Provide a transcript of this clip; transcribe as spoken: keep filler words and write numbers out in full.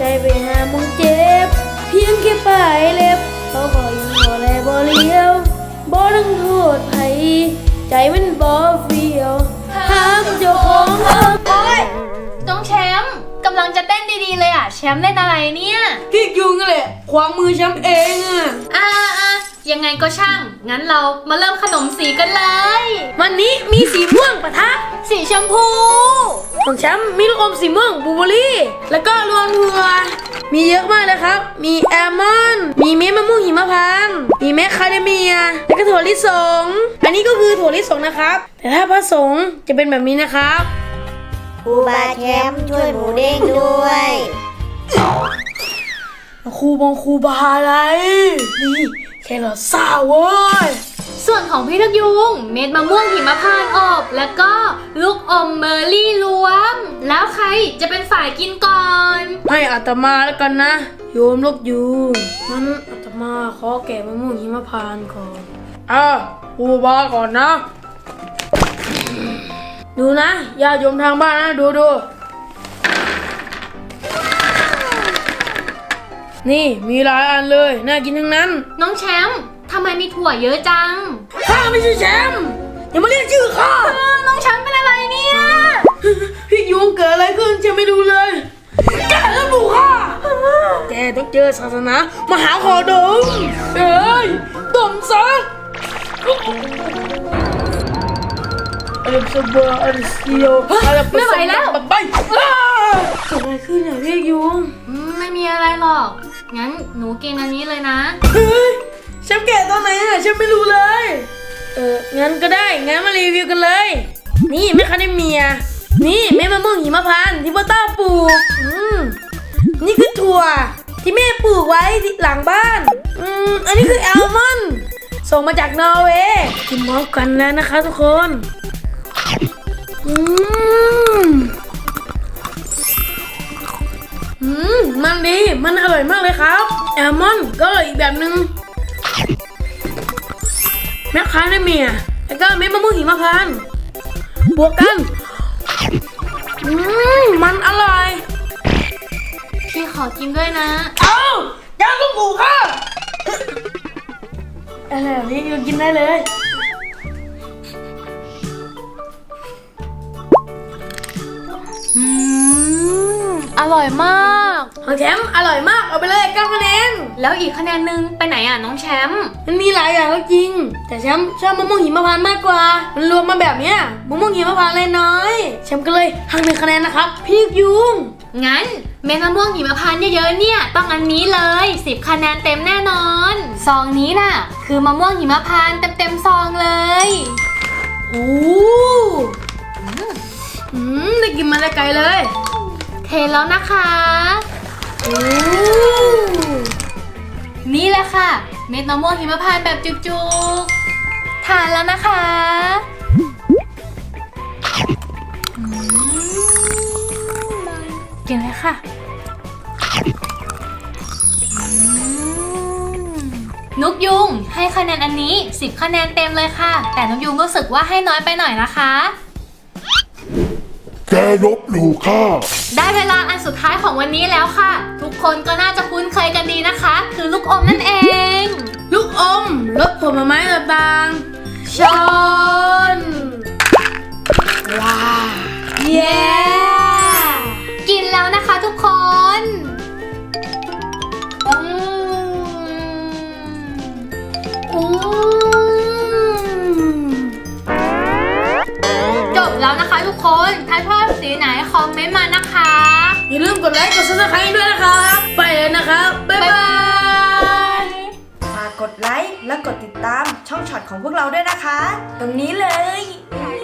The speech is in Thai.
ไปหามึงเจ็บเพียงแค่ปลายเล็บเขาก็ยังบ่แลบ่เลี้ยวบ่ต้องโทษไผใจมันบ่เฟียวถามเจ้าของเอิ้นโอ๊ยน้องแชมป์กำลังจะเต้นดีๆเลยอ่ะแชมป์เล่นอะไรเนี่ยพี่ยุงนั่นแหละขวางมือแชมป์เองอ่ะอ่าอ่ะยังไงก็ช่างงั้นเรามาเริ่มขนมสีกันเลยวันนี้มีสีม่วงปะทะสีชมพูของแชมป์มีลูกอมสีม่วงบลูเบอร์รี่แล้วก็รวมถั่วมีเยอะมากเลยครับมีแอลมอนด์มีเม็ดมะม่วงหิมพานต์มีเม็ดคาเดเมียแล้วก็ถั่วลิสงอันนี้ก็คือถั่วลิสงนะครับแต่ถ้าผสมจะเป็นแบบนี้นะครับครูบาแชมป์ช่วยหมูเด้งด้วยครูบงครูบาอะไรนี่แค่เราซาเว้ยส่วนของพี่ทักยุงเม็ดมะม่วงหิมพานต์อบแล้วก็ลูกอมเมอร์รี่รวม แล้วใครจะเป็นฝ่ายกินก่อนให้อาตมาแล้วกันนะโยมลูกยูงั้นอาตมาขอแกะมะม่วงหิมพานต์ก่อนอ่ะครูบาก่อนนะดูนะญาติโยมทางบ้านนะดูดูนี่มีหลายอันเลยน่ากินทั้งนั้นน้องแชมป์ทำไมมีถั่วเยอะจังข้าไม่ใช่แชมป์อย่ามาเรียกชื่อข้าเออน้องแชมป์เป็นอะไรเนี่ยพี่ยุงเกิดอะไรขึ้นฉันไม่รู้เลยแกแล้วบุกข้าแกต้องเจอศาสนามหาขอดมเอ้ยดมซะอะไรสบายอะไรเสียวอะไรไม่ไหวแล้วไปเกิดอะไรขึ้นอ่ะพี่ยุงอืมไม่มีอะไรหรอก งั้นหนูกินอันนี้เลยนะเฮ้ยฉันแกะตอนไหนอ่ะฉันไม่รู้เลยเอองั้นก็ได้งั้นมารีวิวกันเลยนี่แม่คาเดเมียนี่แม่มะม่วงหิมพานต์ที่พ่อต้าปลูกอืมนี่คือถั่วที่แม่ปลูกไว้ที่หลังบ้านอืมอันนี้คือแอลมอนด์ส่งมาจากนอร์เวย์กินพร้อมกันแล้วนะคะทุกคนอืมอืมมันดีมันอร่อยมากเลยครับแอลมอนด์ก็อร่อยอีกแบบนึงแม่ค้าได้เมียแล้วก็เม็ดมะม่วงหิมพานต์บวกกันอืมมันอร่อยพี่ขอกินด้วยนะเอ้าย่างลูกหมูค่ะอะไรพี่ก็กินได้เลยอืมอร่อยมากของแชมป์อร่อยมากเอาไปเลยเก้าคะแนนแล้วอีกคะแนนหนึ่งไปไหนอ่ะน้องแชมป์มันมีหลายอย่างก็จริงแต่แชมป์ชอบมะม่วงหิมพานต์มากกว่ามันรวมมาแบบเนี้ยมะม่วงหิมพานต์เลยน้อยแชมป์ก็เลยหักหนึ่งคะแนนนะครับพี่ยุงงั้นเม็ดมะม่วงหิมพานต์เยอะๆเนี่ยต้องอันนี้เลยสิบคะแนนเต็มแน่นอนซองนี้น่ะคือมะม่วงหิมพานต์เต็มๆซองเลยโอ้อืมได้กินมาได้ไกลเลยเทแล้วนะคะโอ้นี่แหละค่ะเม็ดมะม่วงหิมพานต์แบบจุกๆทานแล้วนะคะอืมกินเลยค่ะอืมนุกยุงให้คะแนนอันนี้สิบคะแนนเต็มเลยค่ะแต่นุกยุงรู้สึกว่าให้น้อยไปหน่อยนะคะแกลบหลู่ข้าได้เวลาอันสุดท้ายของวันนี้แล้วค่ะ ทุกคนก็น่าจะคุ้นเคยกันดีนะคะ คือลูกอมนั่นเองลูกอมรสผลไม้ต่างๆชนว้าเย้กินแล้วนะคะทุกคนอืมอืมจบแล้วนะคะทุกคน ถ้าชอบสีไหนคอมเมนต์มานะคะอย่าลืมกดไลค์กดซับสไครต์ด้วยนะครับไปเลยนะครับบ๊ายบายฝากกดไลค์และกดติดตามช่องช็อตของพวกเราด้วยนะคะ ตรงนี้เลย